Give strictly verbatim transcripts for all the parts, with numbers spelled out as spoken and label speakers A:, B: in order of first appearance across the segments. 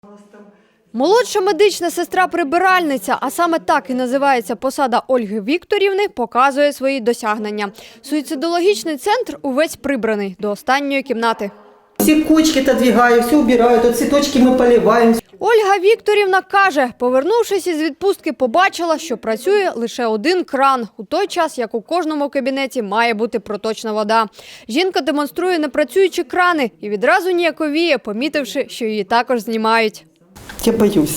A: Молодша медична сестра-прибиральниця, а саме так і називається посада Ольги Вікторівни, показує свої досягнення. Суїцидологічний центр увесь прибраний до останньої кімнати.
B: Все кучки отодвигаю, все убираю, тут цветочки мы поливаем.
A: Ольга Вікторівна каже, повернувшись із відпустки, побачила, що працює лише один кран, у той час, як у кожному кабінеті має бути проточна вода. Жінка демонструє непрацюючі крани і відразу ніяковіє, помітивши, що її також знімають.
B: Я боюсь.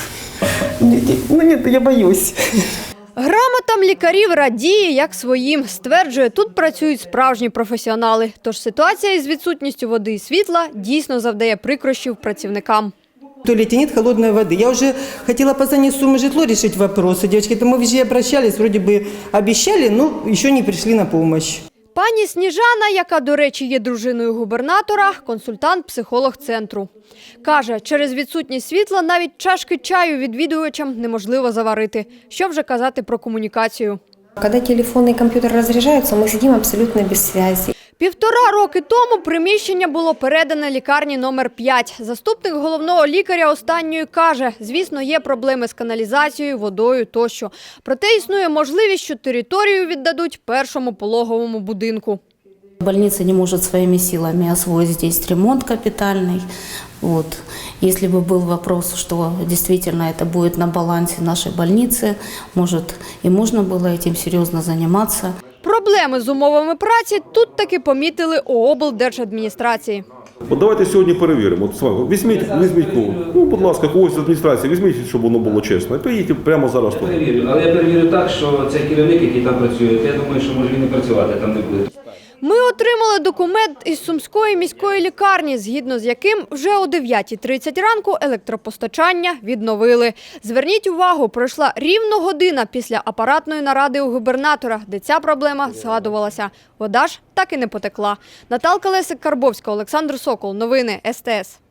B: Ну нет, я боюсь.
A: Грамотам лікарів радіє, як своїм. Стверджує, тут працюють справжні професіонали. Тож ситуація із відсутністю води і світла дійсно завдає прикрощів працівникам.
B: В туалете нет холодной воды. Я уже хотела позвонить в Сумы житло решить вопросы. Девочки, то мы везде обращались, вроде бы обещали, но еще не пришли на помощь.
A: Пані Сніжана, яка, до речі, є дружиною губернатора, консультант-психолог центру. Каже, через відсутність світла навіть чашки чаю відвідувачам неможливо заварити. Що вже казати про комунікацію.
C: Когда телефон и компьютер разряжаются, мы сидим абсолютно без связи.
A: Півтора роки тому приміщення було передане лікарні номер п'ять. Заступник головного лікаря останньої каже, звісно, є проблеми з каналізацією, водою тощо. Проте існує можливість, що територію віддадуть першому пологовому будинку.
D: Больница не может своими силами освоить здесь ремонт капитальный. Вот. Если бы был вопрос, что действительно это будет на балансе нашей больницы, может и можно было этим серьезно заниматься.
A: Проблеми з умовами праці тут таки помітили у облдержадміністрації.
E: От давайте сьогодні перевіримо. От, Слава, візьміть, візьміть кого. Ну, будь ласка, когось з адміністрації, візьміть, щоб воно було чесно. І приїдьте прямо зараз тут.
F: Перевірю, але я перевірю так, що цей керівник, який там працює, я думаю, що може він і працювати там не буде.
A: Ми отримали документ із Сумської міської лікарні, згідно з яким вже о дев'ятій тридцять ранку електропостачання відновили. Зверніть увагу, пройшла рівно година після апаратної наради у губернатора, де ця проблема згадувалася. Вода ж так і не потекла. Наталка Лесик-Карбовська, Олександр Сокол. Новини ес те ес.